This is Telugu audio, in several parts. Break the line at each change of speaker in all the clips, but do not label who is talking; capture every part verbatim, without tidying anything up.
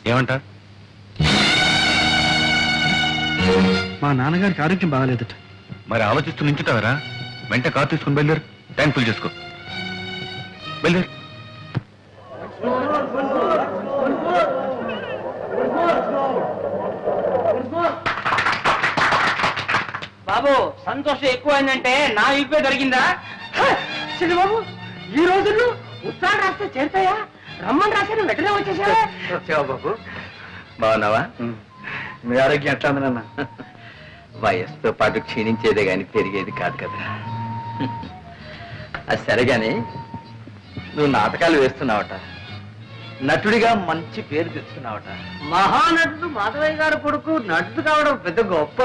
ఏమంట?
మా నాన్నగారికి ఆరోగ్యం బాగాలేదట.
మరి ఆలోచిస్తూ నించుతావరా? వెంట కారు తీసుకుని బయలుదేరు. ట్యాంక్ ఫుల్ చేసుకో. బయలుదేరు.
బాబు సంతోషం ఎక్కువైందంటే నా ఇప్పే దొరికిందా? బాబు ఈ రోజుల్లో ఉత్తరాలు రాస్తే చేరుతాయా? రమ్మని రాశాను వెంటనే వచ్చేసావా?
బాబు బాగున్నావా? మీ ఆరోగ్యం ఎట్లా ఉంది నాన్న? వయస్సుతో పాటు క్షీణించేదే గాని పెరిగేది కాదు కదా. అది సరే గాని నువ్వు నాటకాలు వేస్తున్నావట, నటుడిగా మంచి పేరు తెచ్చుకున్నావట.
మహానటుడు మాధవయ్య గారు కొడుకు నటుడు కావడం పెద్ద గొప్ప.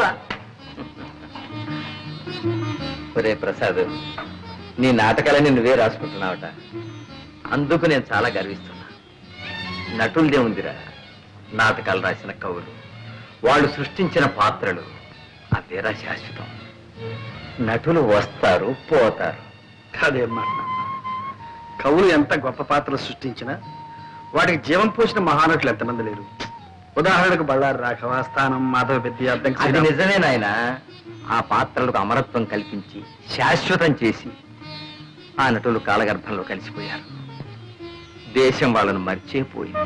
ఒరే ప్రసాద్, నీ నాటకాలని నువ్వే రాసుకుంటున్నావట. అందుకు నేను చాలా గర్విస్తున్నా. నటులదే ఉందిరా, నాటకాలు రాసిన కవులు, వాళ్ళు సృష్టించిన పాత్రలు అదేరా శాశ్వతం. నటులు వస్తారు పోతారు.
కాదేమ్మా, కవులు ఎంత గొప్ప పాత్రలు సృష్టించినా వాటికి జీవం పోసిన మహానటులు ఎంతమంది లేరు. ఉదాహరణకు బళ్ళారి రాఘవ, స్థానం, మాధవ పెద్ద.
అది నిజమే నాయన. ఆ పాత్రలకు అమరత్వం కల్పించి శాశ్వతం చేసి ఆ నటులు కాలగర్భంలో కలిసిపోయారు. దేశం వాళ్ళను మర్చిపోయింది.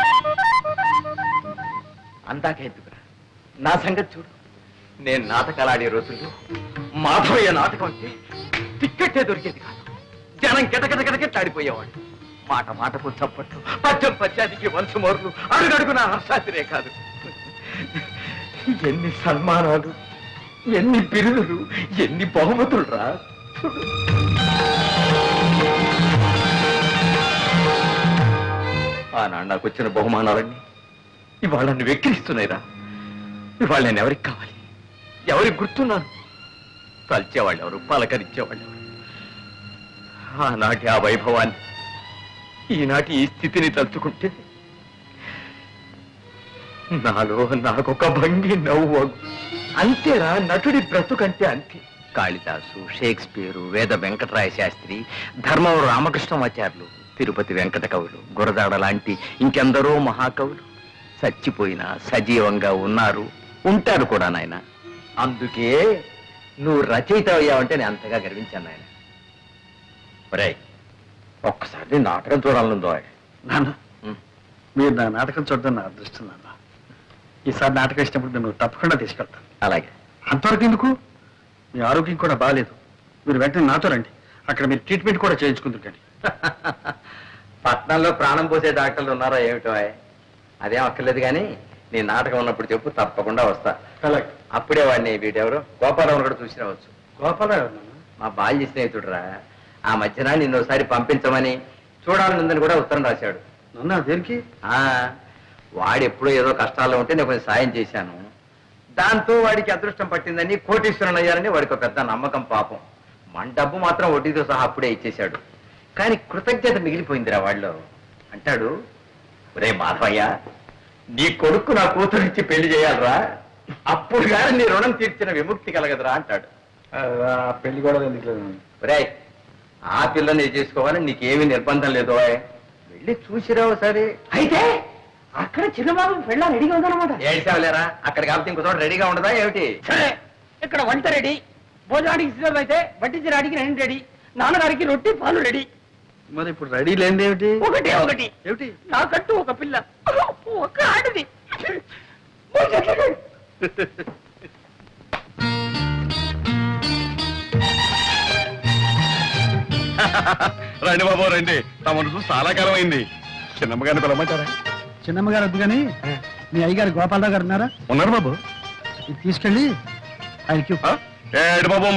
అందాక ఎందుకురా, నా సంగతి చూడు. నేను నాటకాలు ఆడే రోజుల్లో మాధవయ్య నాటకం అంటే టిక్కెట్టే దొరికేది కాదు. జనం గిటగిటగిటగిట్లాడిపోయేవాడు. మాట మాటకు చప్పట్లు, పద్యం పద్యానికి వంశమోర్లు, అడుగడుగున హర్షాతిరే కాదు. ఎన్ని సన్మానాలు, ఎన్ని బిరుదులు, ఎన్ని బహుమతులు రా. ఆనాడు నాకు వచ్చిన బహుమానాలన్నీ ఇవాళ నన్ను వెక్కిరిస్తున్నాయిరా. ఇవాళ నేను ఎవరికి కావాలి, ఎవరికి గుర్తున్నాను? తల్చేవాళ్ళు ఎవరు, పలకరించేవాళ్ళు ఎవరు? ఆనాటి ఆ వైభవాన్ని ఈనాటి ఈ స్థితిని తలుచుకుంటే నాలో నాకొక భంగి నవ్వు. అంతేరా నటుడి బ్రతుకంటే అంతే. కాళిదాసు, షేక్స్పియరు, వేద వెంకటరాయ శాస్త్రి, ధర్మవరం రామకృష్ణమాచార్యులు, తిరుపతి వెంకట కవులు, గురదాడ లాంటి ఇంకెందరో మహాకవులు చచ్చిపోయినా సజీవంగా ఉన్నారు, ఉంటారు కూడా నాయన. అందుకే నువ్వు రచయిత అయ్యావంటే నేను అంతగా గర్వించాను నాయన. ఒరే, ఒక్కసారి నాటకం చూడాలనుందో.
నాన్న, మీరు నా నాటకం చూడడం నా అదృష్టం నాన్న. ఈసారి నాటకం ఇచ్చినప్పుడు నేను తప్పకుండా తీసుకెళ్తాను.
అలాగే.
అంతవరకు ఎందుకు? మీ ఆరోగ్యం కూడా బాగాలేదు. మీరు వెంటనే నాతో రండి. అక్కడ మీరు ట్రీట్మెంట్ కూడా చేయించుకుందరు. కానీ
పట్నంలో ప్రాణం పోసే డాక్టర్లు ఉన్నారా ఏమిటో? అదేం అక్కర్లేదు కానీ నీ నాటకం ఉన్నప్పుడు చెప్పు, తప్పకుండా వస్తా.
అలాగే.
అప్పుడే వాడిని వీటెవరు గోపాలరావు కూడా చూసి రావచ్చు.
గోపాలరావు
మా బాల్య స్నేహితుడురా. ఆ మధ్యన నిన్ను ఒకసారి పంపించమని చూడాలనుందని కూడా ఉత్తరం రాశాడు.
నన్ను దేనికి?
ఆ వాడు ఎప్పుడో ఏదో కష్టాల్లో ఉంటే నేను కొంచెం సాయం చేశాను. దాంతో వాడికి అదృష్టం పట్టిందని, కోటీశ్వరుని అయ్యారని వాడికి ఒక పెద్ద నమ్మకం. పాపం మన డబ్బు మాత్రం వడ్డీతో సహా అప్పుడే ఇచ్చేశాడు. కానీ కృతజ్ఞత మిగిలిపోయిందిరా వాళ్ళు. అంటాడు, ఒరే మాధవయ్య, నీ కొడుకు నా కూతురిచ్చి పెళ్లి చేయాలరా, అప్పుడు కానీ నీ రుణం తీర్చిన విముక్తి కలగదురా అంటాడు.
పెళ్లి కూడా ఎందుకు?
ఒరే, ఆ పిల్లని చేసుకోవాలని నీకేమీ నిర్బంధం లేదు. వెళ్ళి చూసిరావు సరే.
అయితే అక్కడ చిన్నబాబు పెళ్ళ రెడీగా ఉందన్నమాట.
ఏడ్చావులేరా, అక్కడ కాబట్టి ఇంకో చోట రెడీగా ఉండదా ఏమిటి?
సరే, ఇక్కడ వంట రెడీ, భోజనానికి సిద్ధం అయితే వడ్డించడానికి రెండు రెడీ, నాన్నగారికి రొట్టి పాలు రెడీ.
మరి ఇప్పుడు రెడీ లేనిది ఏమిటి?
ఒకటే ఒకటి
ఏమిటి?
నాకంటూ ఒక పిల్ల, ఒక ఆడది.
రండి బాబు రండి, తమను చాలా కాలం అయింది. చిన్నమ్మగారిని పిలవమంటారా?
చిన్నమ్మగారు వద్దు కానీ మీ అయ్యగారు గోపాలరావు గారు ఉన్నారా?
ఉన్నారు బాబు.
ఇది తీసుకెళ్ళి ఆయనకి
ఏడు బాబు